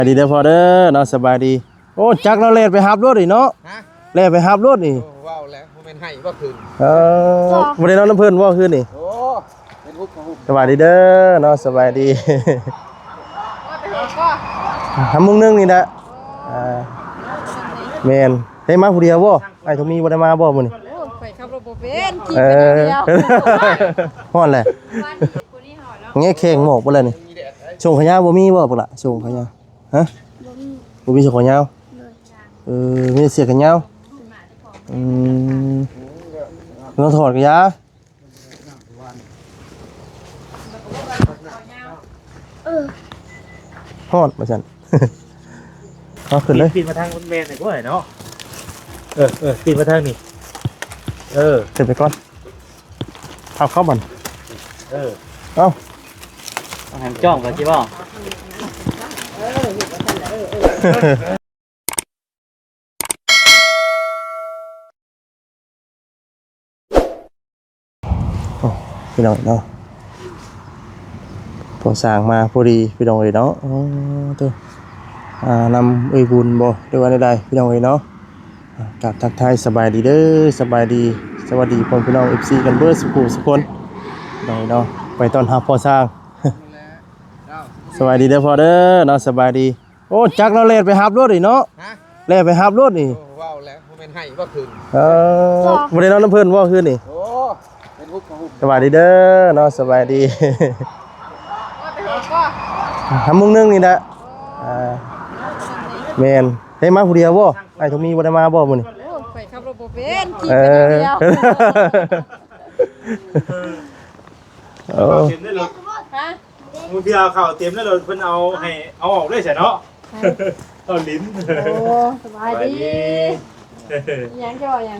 ดีเด้อพอเด้อเนาะสบายดีโอ้จักเราเล่นไปฮับรถอีเนาะเล่นไปฮับรถนี่ว้าวแล้วมันเป็นให้ว่าคืนบ่ได้นอนน้ำเพิ่นว่าคืนนี่โอ้เป็นฮุบของฮุบสบายดีเด้อเนาะสบายดีทำมุ้งนึงนี่นะแม่นได้มาผู้เดียวบ่ไอ้ทมีบ่ได้มาบ่มื้อนี้ไปขับรถบ่เป็นขี่ไปเดียวฮ้อนแหละแง่แข็งหมอกบ่แล้วนี่ส่งขยะบ่มีบ่พุ่นล่ะส่งขยะฮะบ่มีส่งขยะมีเสียขยะเราถอดขยะฮอดมาซั่นเอาขึ้นเลยปีนมาทางแม่นหน่อยก็ได้เนาะปีนมาทางนี่ขึ้นไปก่อนเอาเข้าบ่อนเอาหันจ้องกันจิบ่พี่น้องเนาะพอสร้างมาพอดีพี่น้องเลยเนาะตัวนำบุญบ่ด้วยวันใดพี่น้องเลยเนาะกับทักทายสบายดีเด้อสบายดีสวัสดีพี่น้อง FC กันเบิดสุขุสุคนพี่น้องเนาะไปต้อนรับพอสร้างสบายดีเด้อพอเด้อเนาะสบายดีโอ้จักเราเล่นไปฮับรถอีเนาะเล่นไปฮับรถนี่ว้าวแล้วมันเป็นให้ว่าคืนบ่ได้นอนน้ำเพิ่นว่าคืนนี่โอ้เป็นฮุบของฮุบสบายดีเด้อเนาะสบายดีทำมุ้งนึงนี่นะแม่นได้มาผู้เดียวบ่ไอ้ทมีบ่ได้มาบ่มื้อนี้ไปขับรถบ่เป็นขี่ไปเดียวเต็มได้เลยมือพี่เอาข่าวเต็มได้เลยเพิ่นเอาออกได้ใช่เนาะเอาลิ้นโอ้สบายดียังจะว่ายัง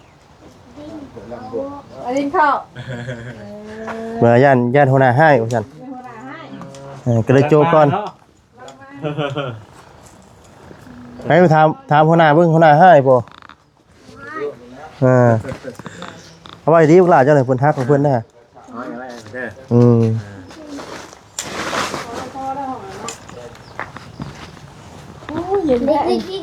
ลิ้นเข้าเมื่อย่านหัวหน้าให้ว่าซั่นก็เลยโจก่อนให้ไปถามหัวหน้าเบิ่งหัวหน้าให้บ่เอาไว้ดีพวกหลานเจ้าหน่อยเพิ่นทักของเพิ่นนะเย็นได้กิน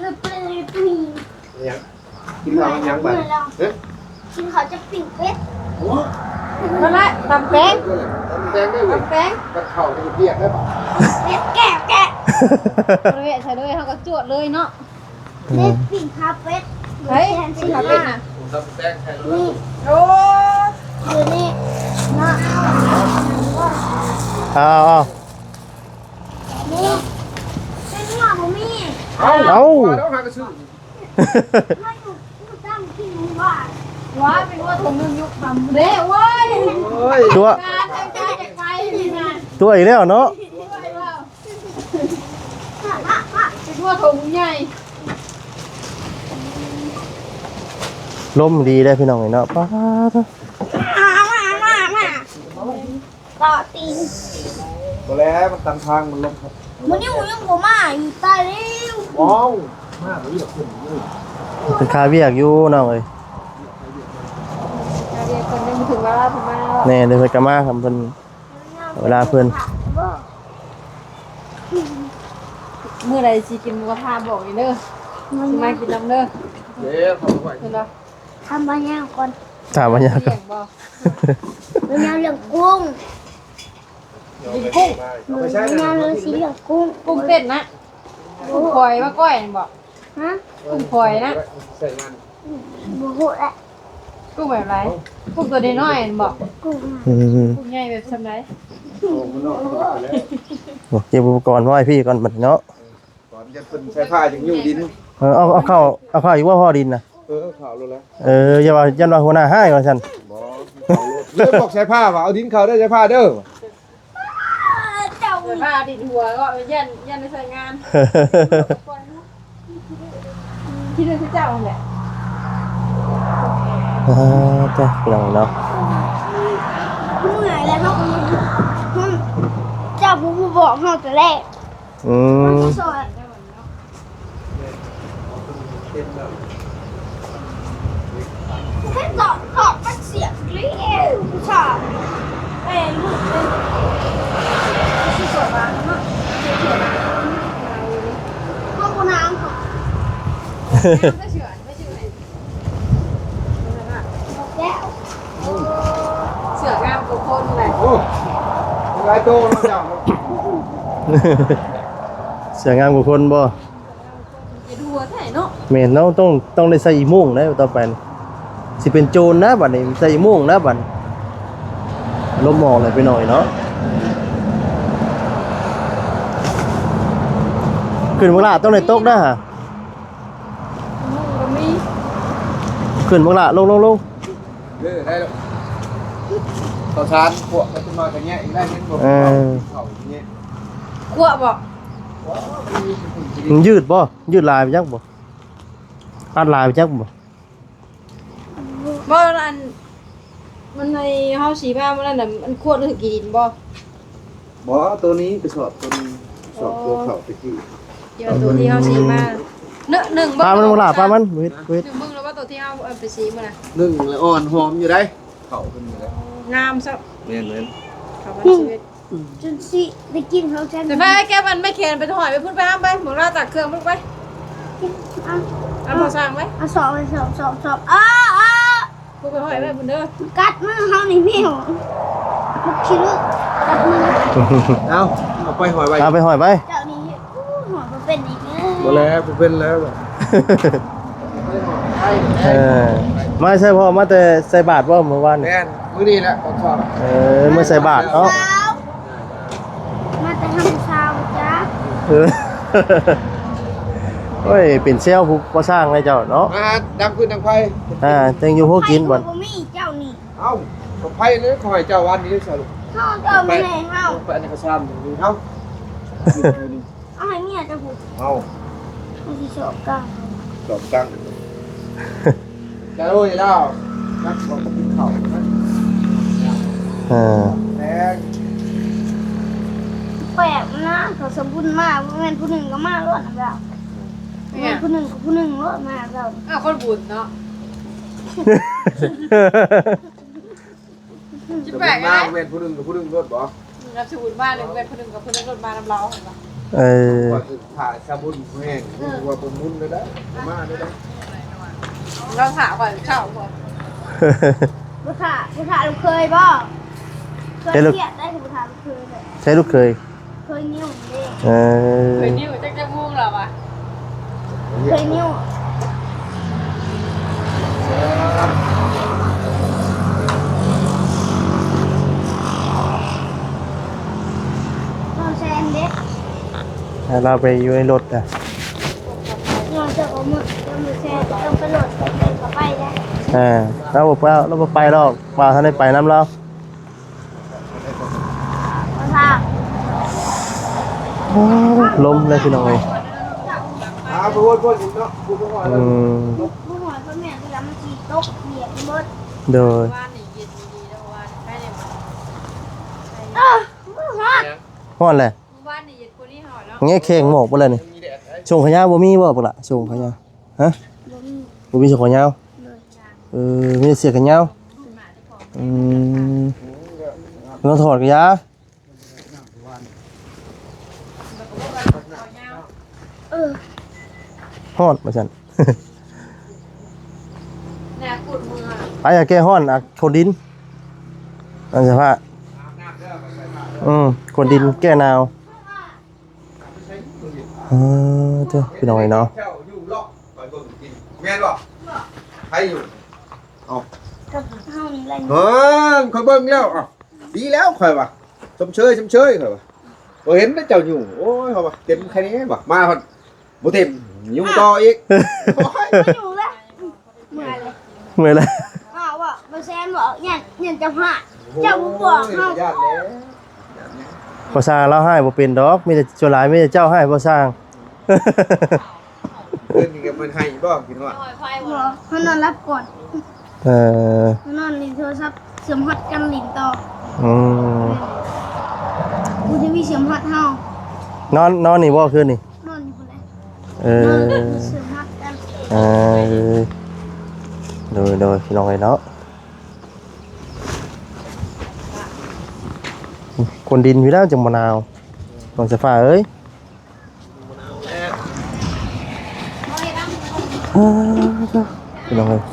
ข้าวยังบ้างกินข้าวจะปิ้งเป็ดนั่นแหละตำแป้งตำแป้งกับข้าวจะเปียกได้ป่ะเป็ดแกะบริเวณใส่เลยเขาก็จวดเลยเนาะเป็ดปิ้งข้าวเป็ดเฮ้ยปิ้งข้าวเป็ดน่ะตำแป้งใช่เลยนี่โอ้อยู่นี่เนาะนี่เป็นหัวบ่มีเอาแล้วหากระชื่อไม่อยู่ตั้งที่นี่ว่าว้าเป็นว่าถุงนึงยุคทำเด้เว้ยตัวอีกแล้วเนาะเป็นว่าถุงใหญ่ลมดีได้พี่น้องเนาะป้ามาต่อตีนตัวแล้วมันตันทางมันลงครับมันนี่หมูยังบ่มาอยู่ใต้เร็วว้าวมากเลยขึ้นเป็นคาเวียกอยู่น้องเอ้ยคนยังถึงเวลาผมมาแน่เดี๋ยวเพิ่นก็มาครับเพิ่นเวลาเพิ่นเมื่อไรสิกินหมูกระทะบอกอีกเด้อสิมากินน้ำเด้อเดี๋ยวทำไปเห็นบ่ทำบางอย่างก่อนถามบางอย่างก่อนเรื่องกุ้งกินกุ้งเรื่องสีเหลืองกุ้งเต้นนะกุ้งพลอยมาก้อยบอกฮะกุ้งพลอยนะใส่งานบุหุแหละกุ้งแบบไรกุ้งตัวน้อยบอกกุ้งใหญ่แบบทำไรบอกเก็บอุปกรณ์ไว้พี่ก่อนบัดเนาะก่อนจะเป็นใช้ผ้าอย่างยู่ดินเอาเข้าอยู่ว่าพ่อดินนะข่าวรู้แล้วอย่าว่ายันว่าหัวหน้าให้ว่าซั่นเลิกบอกใช้ผ้าว่าเอาดินเขาได้ใช้ผ้าเด้อเจ้าผ้าดินหัวก็ยันในใส่งานที่เรื่องที่เจ้าแหละจ้ะพี่น้องเนาะเมื่อยแล้วเนาะเจ้าผู้บอกเฮาแต่แรกสอนแค่ตอบมันเสียงเลี้ยวผู้ชายลูกที่สวนมาเนาะไม่เชื่อไม่เชื่อแล้วเสืองามกว่าคนเลยโอ้หลายโตแล้วจ้ะเสืองามกว่าคนบ่จะดูว่าไหนเนาะแม่นเนาะต้องได้ใส่อีโม่งนะต่อไปนี่สิเป็นโจรนะบัดนี้ใส่อีโม่งนะบัดลมหมอกเลยไปหน่อยเนาะขึ้นบักละต้องได้ตกนะฮะมึงก็มีขึ้นบักละลงได้แล้วต่อชานพวกมันจะมาอย่างเงี้ยอีกได้เห็นบ่เขาอย่างเงี้ยกลัวบอกมันยืดบ่ยืดลายไปจักบ่อัดลายไปจักบ่บ่อันมันในเฮาสีผ้ามันนั่นน่ะมันควรหรือกี่ดินบ่บ่ตัวนี้ไปสอบตัวนี้สอบตัวเขาไปที่เดี๋ยวตัวที่เฮาสีมาหนึ่งปลามันบักละปลามันเวทหนึ่งมึงแล้วว่าตัวที่เฮาเอาไปสีมันน่ะนึ่งแล้วอ่อนหอมอยู่ได้เขาเป็นอยู่ได้งามซะแม่นเขามันชีวิตจนสิได้กินเขาแซ่บแต่ไปแก้มันไม่เขียนไปถอยไปพุ่นไปห้ามไปหมูราตักเครื่องพุ่นไปเอาเอาพอสร้างไว้เอาสอบไปสอบอ้าพุ่นไปถอยไปพุ่นเด้อกัดมือเฮานี่พี่หัวลูกชิ้นกัดมือๆเอาเอาไปหอยไว้เอาไปหอยไปเจ้านี่หัวมันเป็นอีกเนบ่แล้วบ่เป็นแล้วไม่ใช่พ่อมาแต่ใส่บาทบ่เมื่อวานนี่แม่นมื้อนี้แหละต้องสอบเมื่อใส่บาทเนาะมาแต่ทำชาวจ้าเออโอ้ยเป็นเซลล์ผู้ก่อสร้างเลยเจ้าเนาะมาดังขึ้นดังไฟเต็งอยู่พวกกินบ่บ่มีเจ้านี่เอ้าก็ไฟเลยขอให้เจ้าวันนี้สรุปเฮาเจ้าไม่ให้เฮาไปอันนี้ก็ซ้ำอยู่เอ้าเอาให้เมียจะพูดเอ้าให้สิสอบกันสอบตั้งจะรู้อยู่แล้วนักบอกกินข้าวนะเออแพงแปลกนะเขาสมบูรณ์มากแม่นผู้หนึ่งก็มารอดนะเราแม่นผู้หนึ่งก็ผู้หนึ่งรอดมาเราอ้าวคนบุญเนาะจิแปลกมาไงเว้นผู้หนึ่งกับผู้หนึ่งรถบ่รับสมุนบ้านหนึ่งเป็นคนหนึ่งกับคนหนึ่งรถมาน้ำเล้าเห็นปะเออว่าคือผ่าสมุนแห้งว่าผมมุนเลยนะมาเลยนะเราถามก่อนเช่าก่อนผู้ถ่าลูกเคยบ่เคยเครียดได้กับผู้ถ่าลูกเคยเลยใช้ลูกเคยเคยนิ้วเด้เออเคยนิ้วจักจะมุ่งหรอวะเคยนิ้วต้องแซนเด็กให้เราไปอยู่ในรถอ่ะนอนจะเอามือแซนต้องไปโหลดไปได้เราบอกว่าเราไปหรอกว่าท่านได้ไปน้ำเราผู้ถ่าลมเลยพี่น้องเอ้ยพูดอีกเนาะพูดว่าอืมผู้หอยพ่อแม่ที่รับมาขี่ตกเหยียบเบิดโดยบ้านนี่เย็นดีแล้ววันใช่เนี่ยผู้หอยฮ้อนแหละบ้านนี่เย็นคนนี้หอยแล้วเงี้ยแข่งหมอกบ่เลยนี่ส่งขยะบ่มีบ่ปะล่ะส่งขยะฮะบ่มีส่งขยะมีแต่เสียขยะเราถอดขยะ ฮ้อนมาซั่นแนวกุดมือไปอย่าแก้ฮ้อนอ่ะคนดินอันสภาพคนดินแก้หนาวเจ้าพี่น้องไอ้เนาะแถวอยู่เลาะไปเบิ่งกินแม่นบ่ใครอยู่เอากับเฮานี่ไรคอยเบิ่งแล้วอ่ะดีแล้วคอยว่ะชมเชยคอยว่ะบ่เห็นได้เจ้าอยู่โอ้ยเขาว่ะเต็มแค่นี้บ่มาพอดบ่เต็มยุ่งต่ออีกโอ้ยไม่อยู่แล้วเมื่อไรเมื่อยแล้วอ้าวว่ามาแซนบอกเนี่ยจะพาเจ้าผู้บอกเฮาญาติแล้วพอสร้างเราให้บ่เป็นดอกมีแต่ส่วนหลายมีแต่เจ้าให้พอสร้างเพิ่นนี่ก็มันให้บ่กินว่าหอยไฟบอกเขานอนรับก่อนเออเขานอนลินโทรศัพท์เสียมฮอดกันลินต่ออืมกูจะมีเสียมฮอดเฮานอนนี่บ่คืนนี่นอนอยู่คนไหนเอนอนอเสียมฮอดกันเออโดยพี่น้องไอ้เนาะคนดินพี่แล้วจังมะนาวต้องสฟ้าเอ้ยพี่น้องเอ้ย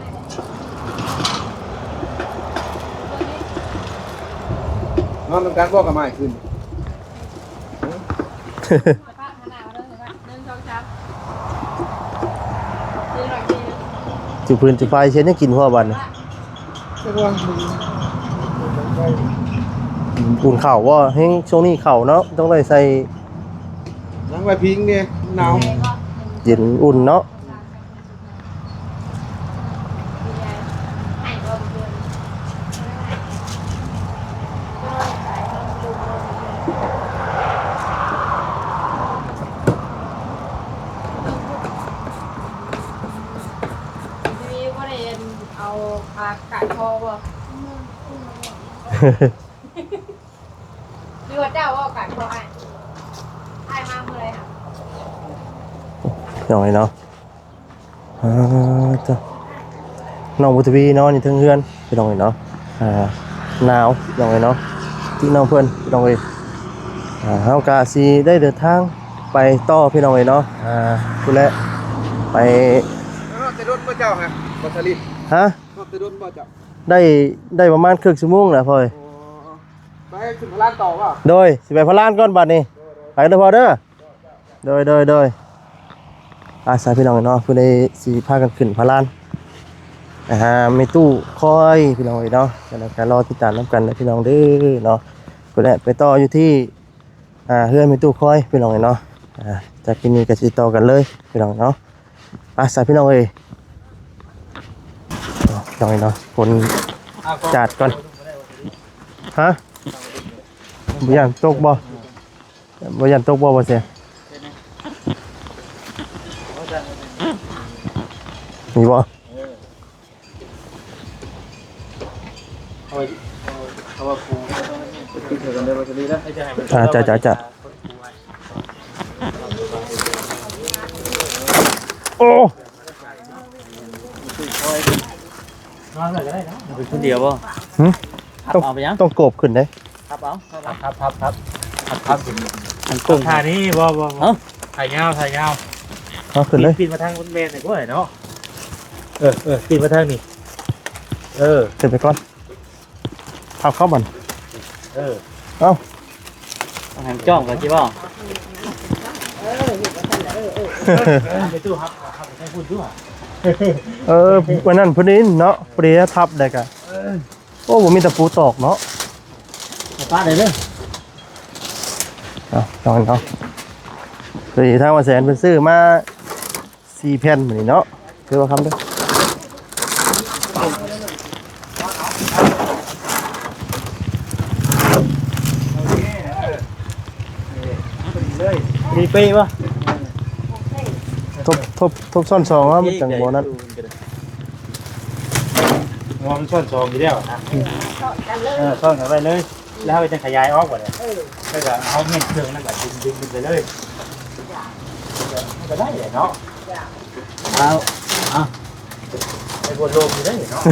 นอนทำการบอกกับไม้ขึ้นจุพื้นจุไฟเช่นยังกินหัวบันน่ะแต่ว่ามึงอุ่นเข่าว่าให้ช่วงนี้เข่าเนาะต้องได้ใส่นั่งไว้พิงเนี่ยหนาวเย็นอุ่นเนาะมีว่าเรียนเอาปลากัดคอบ่หรือว่าเจ้าว่ากัดคอไอ้มาเมื่อไรค่ะหน่อยเนาะจ้ะน้องบุตรวีเนาะนี่ทั้งเฮือนพี่น้องเอ้ยเนาะหนาวพี่น้องเอ้ยเนาะที่น้องเพื่อนพี่น้องเอ้ยเฮากาสิได้เดินทางไปต่อพี่น้องเอ้ยเนาะพุ่นแหละไปนอนแต่รถบ่เจ้าฮะบ่สลิดฮะนอนแต่รถบ่เจ้าได้ประมาณครึ่งชั่วโมงแหละพ่อยโอ้ไปขึ้นพลานต่อเปล่าโดยสิไปพะลานก่อนบัดนี้ไปเด้อพอเด้อโดยอาสาพี่น้องเนาะเพิ่นได้สิพากันขึ้นพะลานมีตู้คอยพี่น้องเนาะแล้วก็รอติดตามนํกันนะพี่น้องเด้อเนาะเพิ่นแหละไปต่ออยู่ที่เฮือนมีตู้คอยพี่น้องเนาะจากที่นี่ก็สิต่อกันเลยพี่น้องเนาะอาสาพี่น้องเอ้ยพี่น้องเนาะฝนจัดก่อนฮะบ่ย่านตกบ่ย่านตกบ่เสียมีบ่เอาว่าครูคิดกันได้บ่จะดีแล้วให้จะให้มันจ้ะโอ้นอนเลยก็ได้เนาะเป็นคนเดียวป่ะหึทับเอาไปยังต้องโกบขึ้นได้ทับเอาครับมันกุ้งท่านี้บ่เอ้าถ่ายยาวเอาขึ้นเลยปีนมาทางบนเมนหน่อยก็ได้เนาะปีนมาทางนี้ขึ้นไปก่อนพับเข้าบัน เอ้าต้องให้มันจ้องกันจีบ่ไปตู้ครับให้พูดด้วยวันนั้นพอดีเนาะพอดีทับได้กะโอ้ผมมีตะปูตอกเนาะป้าเลยเด้อลองเนาะคือทางว่าแสนเป็นซื้อมา4 แผ่นเหมือนเนาะคือว่าคำเด้อมีปีป่ะทบซ่อนซองว่ามันจังบ่นั้นงอมซ่อนซองอยู่แล้วนะซ่อนกันไปเลย แล้วจะขยายออกกว่าเนี่ยก็จะเอาเงินเครื่องนั่นก็ดึงไปเลยก็ได้เนาะเอาไปบนโลมอยู่ได้เนาะ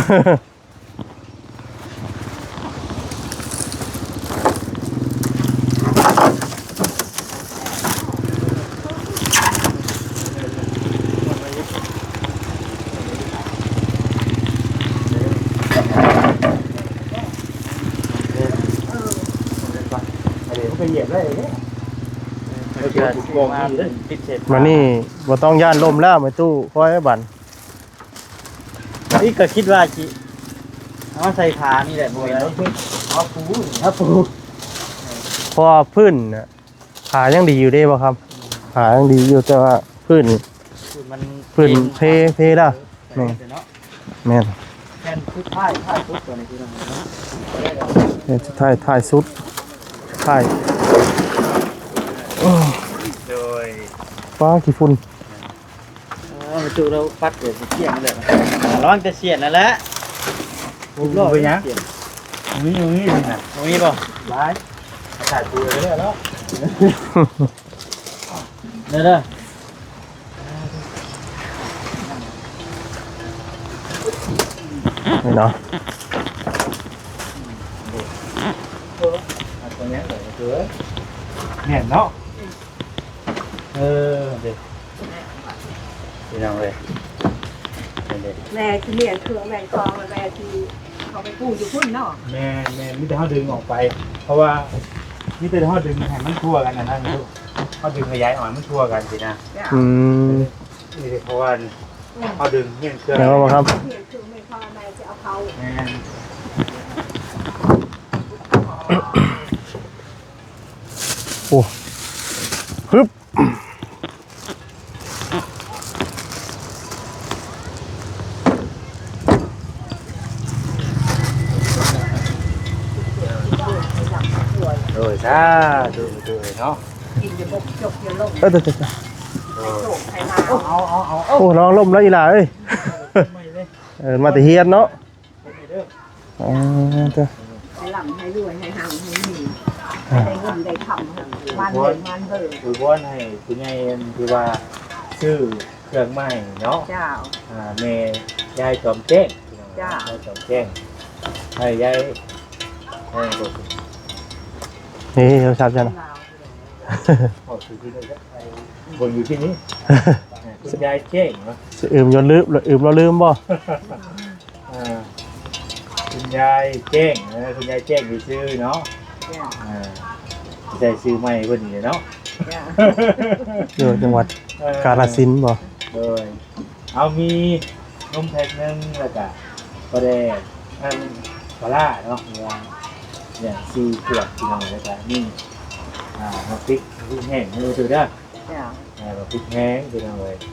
ไปเหยียบได้เนี่ยเกิดมาติดเสร็จมานี่บ่ต้องย่านลมแล้วมาตู้คอยไว้บันนี่ก็คิดว่าจีเอาใส่ขานี่แหละบ่อยแล้วเอาปูเอาปูเพราะว่าพื้นน่ะขายังดีอยู่เด้บ่ครับขายังดีอยู่แต่ว่าพื้นมันพื้นเพแล้วเนาะแม่นแค่ชุดท้ายชุดตัวนี้คืออะไรเนาะเนี่ยถ่ายสุดถ่ายโดยฟ้ากี่ฝุ่นมาจูเราปัดเดี๋ยวเสียงเลยร้องจะเสียนนั่นแหละไปยังนี่นะตรงนี้ป่ะร้ายถ่ายปูเลยแล้วเด้อนี่เนาะตรงนี้เลยคือเนี่ยเนาะเด็กพี่น้องเลยเด็กแม่ที่เลี้ยงเครื่องแม่คลองแม่ที่เขาไปกู้อยู่พุ่นเนาะแม่มิแต่เขาดึงออกไป เพราะว่ามิแต่เขาดึงให้มันทั่วกันนะลูกเขาดึงขยายอ่อนมันทั่วกันสินะอืมนี่เพราะว่าเขาดึงเงี้ยเครื่องแล้วบ่ครับเลี้ยงเครื่องแม่คลองแม่จะเอาเขาแม่โอ้ฮึบโดยซะดูเนาะกินจะบกจกจะลงเอ้ยเดี๋ยวโจกไข่มาๆโอ้น้องล่มแล้วอีหล่าเอ้ย มาแต่เฮียนเนาะอ๋อเด้อให้หล่ำให้รวยให้ห่างให้มีได้เงินได้คำมันเห็นมันเบิกคือว่าให้คุณยายคือว่าซื้อเครื่องใหม่เนาะเจ้าแม่ยายจอมแจ้งจ้ายายจอมแจ้งให้ยายให้กดนี่เราทราบจังออกสู่ที่นี่บนอยู่ที่นี้คุณยายแจ้งเนาะอืมยนลืมเราลืมบ่คุณยายแจ้งคุณยายแจ้งมีชื่อเนาะจ้าใส่ชื่อใหม่เพิ่นนี่เนาะจ้าอยู่จังหวัดกาฬสินธุ์บ่โดยเอามีนมแพ็คนึงแล้วก็ก็ได้ปลาร้าเนาะเนี่ย4 ขวดพี่น้องแล้วก็นี่มาพริกแห้งมือถือเด้อจ้ามาพริกแห้งพี่น้องเลย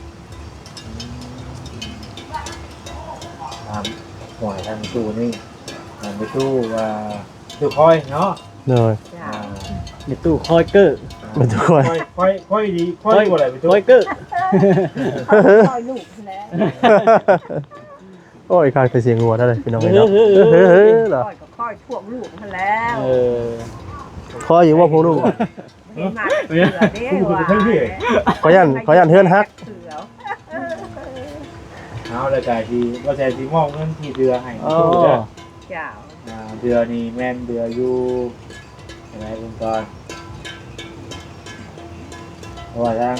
หอยทางตู้นี่ไปตู้ตู้คอยเนาะเลยจ้าในตู้คอยเกอร์มาทุกคนค่อยดีค่อยกว่าอะไรไปตู้คอยเกอร์คอยลูกแล้วโอ้ยข้างแต่เสียงงัวได้เลยพี่น้องเอ้ยเฮ้เนาะยเฮ้ยเหรอคอยก็คอยท่วงลูกมันแล้วเออคอยอยู่ว่าพวกลูกนี่มาเสือเด้ว่าขอยันเฮือนฮักเสือเอาเลยกายดีว่าแต่ที่มอบเงินที่เดือให้อ๋อตู้เด้อเจ้าเดือนี่แม่นเดืออยู่อะไรคุณก่อนเพราะว่าทั้ง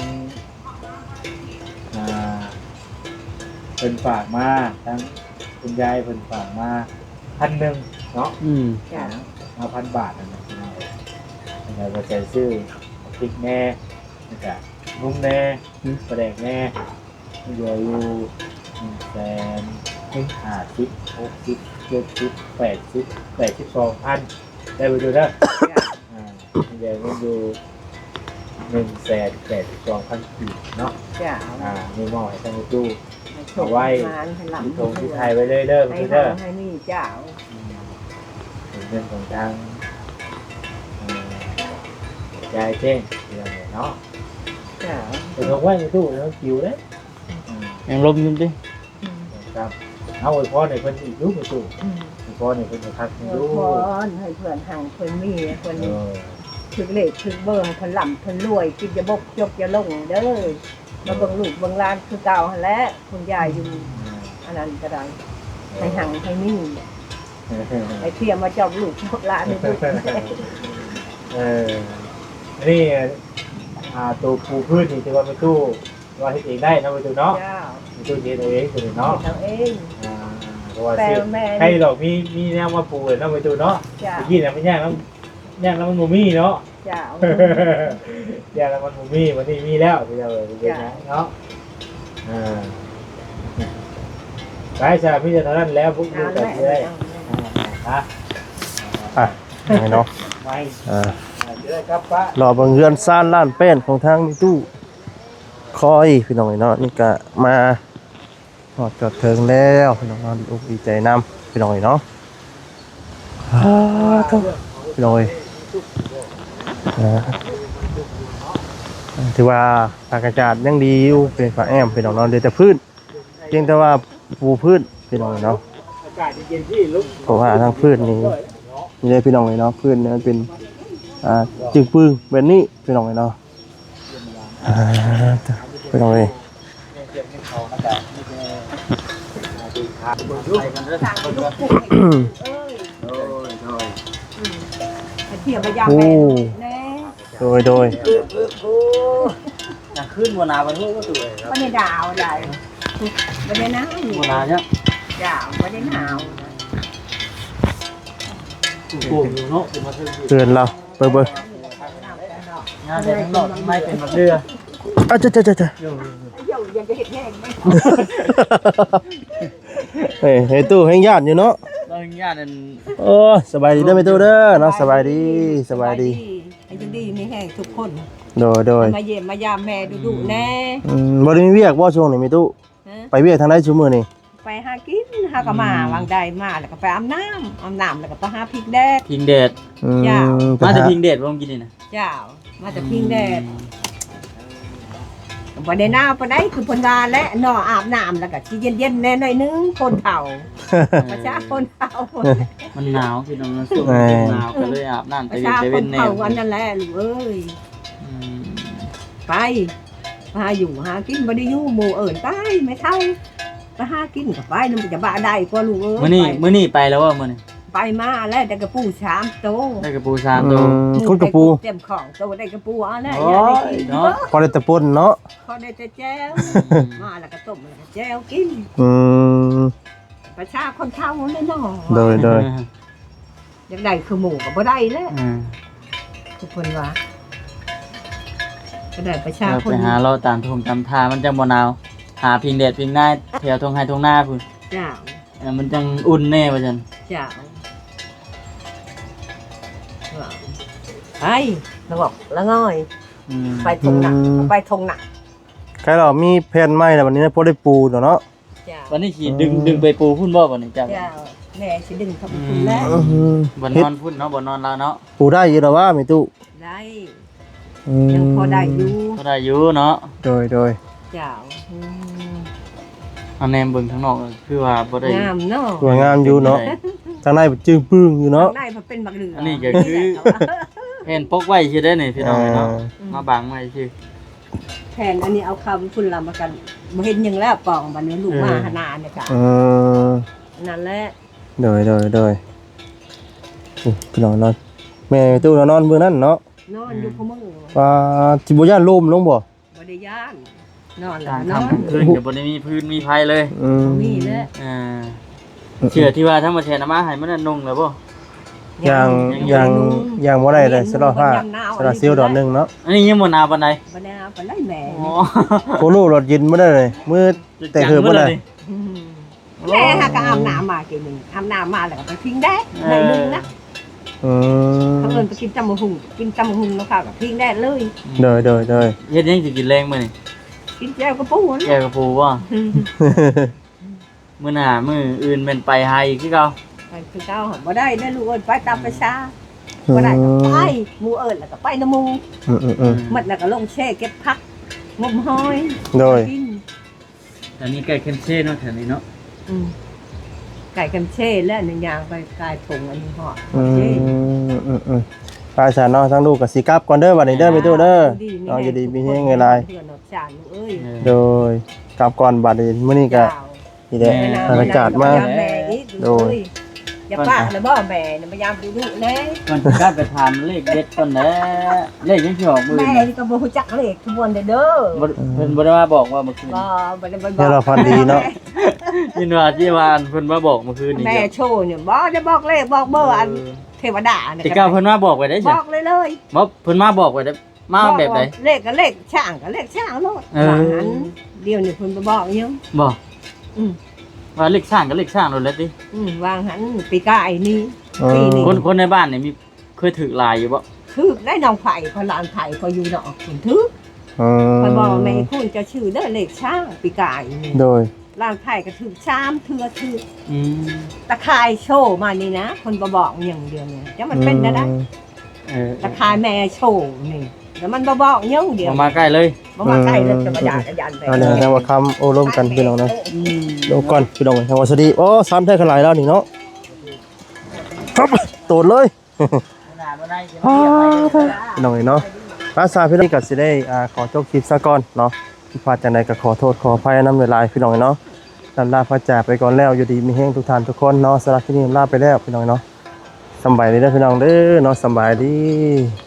เป็นฝากมาทั้งคุณยายเป็นฝากมา1,000เนาะอืมจ้ามา1,000 บาทนั่นแหละแล้วก็จะซื้อพริกแน่แล้วก็นุ่มแน่ปลาแดกแน่เดืออยู่150,000 60,000 70,000 82,000ได้ไปดูนะเดี๋ยวมันดู182,000 กีบเนาะจ้ามีหม้อให้ทางตู้เอาไว้ให้หลังตรงที่ไทยไว้เลยเด้อให้พี่หเด้อให้นี่เจ้าเป็นเรื่องของทางยายเจ้งที่เราเนาะเจ้าเป็นของไว้ในตู้แล้วคิวเลยยังลมอยู่ดิครับเอาไว้พอในเพิ่นอีกรูปในตู้พอในเพิ่นจะพักเอรูอพรให้เพื่อนห่างเพื่อนมีเพื่อนเออถึกเลขถึกเบอร์ให้เพื่อนหล่ำเพื่อนรวยกินจะบกจกจะลงเด้อมาเบิ่งลูกเบิ่งหลานคือเก่าหั่นแหละคุณยายอยู่อันนั้นก็ได้ให้ห่างให้มีให้เทียมมาจอบลูกจอบหลานให้ลูกนี่ตัวปูพืชนี่ที่ว่าไปตู้ว่าเฮ็ดเองได้นะไปตู้เนาะเจ้าไปตู้เฮ็ดเองตัวเนาะเราเองเพราะว่าสิให้ดอกมีแนวมาปลูกเนาะไปตู้เนาะเจ้าเมื่อกี้เนี่ยมันยากแล้วมันบ่มีเนาะเจ้ายากแล้วมันบ่มีวันนี้มีแล้วที่เราเป็นไงเนาะไปซะมีแต่เท่านั้นแล้วพวกเอากันแม่ได้ฮะอ่ะยังไงเนาะไว้ À. จะได้กลับป้ารอเบิ่งเฮือนซ่านล้านแป้นของทางมีตู้คอยพี่น้องเอ้ยเนาะนี่ก็มาฮอดจอดถึงแล้วพี่น้องเนาะดีใจนำพี่น้องเอ้ยเนาะพี่น้องเอ้ยถือว่าอากาศยังดีอยู่เป็นฝาแอมพี่น้องเนาะเดี๋ยวจะพื้นเพียงแต่ว่าปูพื้นพี่น้องเอ้ยเนาะอากาศเย็นๆที่ลุกเพราะว่าทางพื้นนี่นี่เลยพี่น้องเลยเนาะพื้นเนี่ยมันเป็นจึงปึ้งแบบนี้พี่น้องเลยเนาะพี่น้องเลยให้เทียมมายามแม่แน่โดยขึ้นบ่หนาวบ่ฮู้ก็ตัวครับบ่ได้ดาวได้บ่ได้หนาวบ่หนาวเนี่ยดาวบ่ได้หนาวโป่งอยู่เนาะเป็นมาถึงเตือนเราเบิ่งงานแต่ทั้งนอกทั้งในเป็นมาเรืออ่ะจ้ะเดี๋ยวยังจะเฮ็ดแห้งไหมเฮ้ยตู้แห่งญาติอยู่เนาะเราญาตินั่นโอ้สบายดีเด้อแม่ตู้เด้อเนาะสบายดีให้ดีมีแห้งทุกคนโดยมาเยี่ยมมายามแม่ดุๆแน่บ่ได้มีเวียกบ่ช่วงนี้แม่ตู้ฮะไปเวียกทางใดชั่วมื้อนี้ไปหากินหาก็มาวางใดมาแล้วก็ไปอาบน้ำแล้วก็ไปหาพริกแดดพิงแดดจ้ะมาแต่พิงแดดบ่กินนี่นะเจ้ามาจากพิงแดดบ่ได้หนาวปานใดคือเพิ่นว่าและนออาบน้ำแล้วก็สิเย็นๆแน่หน่อยนึงคนเฒ่าประชาคนเฒ่ามันหนาวพี่น้องมันสุกหนาวก็เลยอาบน้ำปแต่ระเย็นชาแต่คเว้นนแน่เฒ่าวันนั้นแหละลูกเอ้ยไปหาอยู่หากินบ่ได้อยู่หมู่เอิ้นไปไม่เท่าไปหากินก็ไปนำจะบ้าได้กว่าลูกเอ้ยมื้อนี้ไปแล้วว่ามื้อนี้ไปมาแล้วได้กระปู3โตได้กระปู3ตัวคุณกระปูเต็มของโตได้กระปูเอาแน่โอ้อย่าได้ยกินเนาะพอได้แต่ป่นเนาะพอได้แต่แจ้วมาแล้วก็ต้มแล้วก็แจ้วกินอืมประชาคนเฒ่าแน่นอนโดยอยากได้คือหมูก็บ่ได้แล้วอืมทุกคนว่าก็ได้ประชาเราคนไปหาเราตามทงตามทามันจังบ่หนาวหาพิงแดดพิงหน้าแถวทงไห้ทงหน้าพุ่นเจ้ามันจังอุ่นแน่ว่าซั่นเจ้าว่าไปแล้วบอกแล้วง่อยอืมไปทงหนักไปทงหนักใครเรามีแผนใหม่แล้ววันนี้นะพอได้ปูเนาะเจ้าวันนี้สิดึงไปปูพุ่นบ่วันนี้จ้ะเจ้าแม่สิดึงเข้าไปคุณแล้วบ่นอนพุ่นเนาะบ่นอนแล้วเนาะปูได้อยู่แล้วว่าแม่ตู้ได้ยังพอได้อยู่ก็ได้อยู่เนาะโดยเจ้าอันแนมเบิ่งข้างนอกคือว่าบ่ได้งามเนาะสวยงามอยู่เนาะทางในจึงปึ้งอยู่เนาะได้มาเป็นบักเหลืออันนี้ก็คือเห็นปกไว้ชื่อได้นี่พี่น้องเนาะมาบังไว้ชื่อแทนอันนี้เอาคำคุณลำมากันบ่เห็นยังแล้วปองบัดนี้ลูกมาหนาเนี่ยค่ะ นั่นแหละโดยพี่น้องนอนแม่ตู้นอนมื้อนั้นเนาะนอนอยู่พะมึงว่าสิบ่ย่านลมลงบ่บ่ได้ย่านนอนแล้กาว รนอนทำคืนเดี๋ยวบ่ได้มีพื้นมีไผเลยมีแหละเชื่อที่ว่าถ้ามาแทนอามาให้มันนุ่งแล้วบ่อย่างบ่ได้เลยสลอผ้าสลอซิลดอกนึงเนาะอันนี้ยังบ่หนาวปานใดบ่ได้เอาไปไล่แม่อ๋อโคโลรถยินบ่ได้เลยมือแต่เหือบ่ได้แม่หาก็อาบน้ำมากินนึงอาบน้ำมาแล้วก็ไปทิ้งแดดได้นึงนะอืมเขาเอิ้นไปกินตำบักหุ่งแล้วค่ะก็ทิ้งแดดเลยโดยเฮ็ดยังสิกินแรงมื้อนี่กินแจ่วกระปูนะแกกระปูบ่มื้อหน้ามื้ออื่นแม่นไปหาอีกคือเก่าไปคือเก่าบ่ได้ได้ลูกเอิ้นไปตามประชาบ่ได้ก็ไปหมู่เอิ้นแล้วก็ไปนำหมู่ หมดแล้วก็ลงแช่เก็บผักงมหอยโดยกินอันนี้ไก่เค็มเช่เนาะแถวนี้เนาะไก่กันเช่และหนึ่งอย่างไปกายถุงอันนี้ห่ออืมปลาสานเนาะทั้งลูกกับสีกลับก่อนเด้อบัดนี้เด้อไปตู้เด้อเอาอยู่ดีมีเฮงไงลายเดือนออกจานเอ้ยโดยกลับก่อนบัดนี้มื้อนี้ก็นี่แหละบรรยากาศมาแม่อีกดูอย่าปากแล้วบ่แม่เนี่ยพยายามดูดูแน่ก่อนสิกลับไปถามเลขเด็ดก่อนแหละเลขยังสิออกมื้อแม่นี้นี่ก็บ่ฮู้จักเลขทุกวันเด้อบ่เพิ่นบ่ได้มาบอกว่าเมื่อคืนบ่ได้บ่เดี๋ยวเราพันดีเนาะยินว่าที่ว่าเพิ่นมาบอกเมื่อคืนนี่แม่โชว์เนี่ยบ่ได้บอกเลขบอกเบอร์อันเทวดาเนี่ยแต่ก้าวเพิ่นมาบอกไว้ได้บใช่อกเลยเลยบ่เพิ่นมาบอกไว้ได้มาแบบไหนเลขก็เลขช่างก็เลขช่างโลดนั้นเดี๋ยวนี้เพิ่นบ่บอกยังบอกอืมว่าเลขสร้างกับเลขสร้างโดนแล้วติวางหันปีกายนี่ปีนี้คนในบ้านนี่มีเคยถือลายอยู่บ่คือได้น้องไผ่พลานไผ่ก็อยู่ดอกคุณทึกคอยบอกแม่คุณจะชื่อเด้อเลขช่างปีกายนี่โดยลานไผ่ก็ถือชามเทือถืออืมตะคายโชว์มานี่นะคนบ่บอกอย่างเดียวเนี่ยจะมันเป็นได้ ตะคายแม่โชว์นี่แล้วมันบ่บอกยังเดียวมาใกล้เลยบ่มาใกล้เลยจะมาหยาดยันไปอันนี้ทางว่าคำโอ้ร่วมกันพี่น้องนะอืมลงก่อนพี่น้องทางว่าสวัสดีโอ้ซ้ำแท้ขลายแล้วนี่เนาะครับโตดเลย พี่น้องเนาะภาษาพี่น้องก็สิได้ขอจบคลิปซะก่อนเนาะที่พลาดจังใดก็ขอโทษขออภัยนำเวลาพี่น้องเนาะลำลาพระจ่าไปก่อนแล้วอยู่ดีมีแห้งทุกท่านทุกคนเนาะสำหรับที่นี่ลาไปแล้วพี่น้องเนาะสำบายดีเด้อพี่น้องเด้อเนาะสำบายดี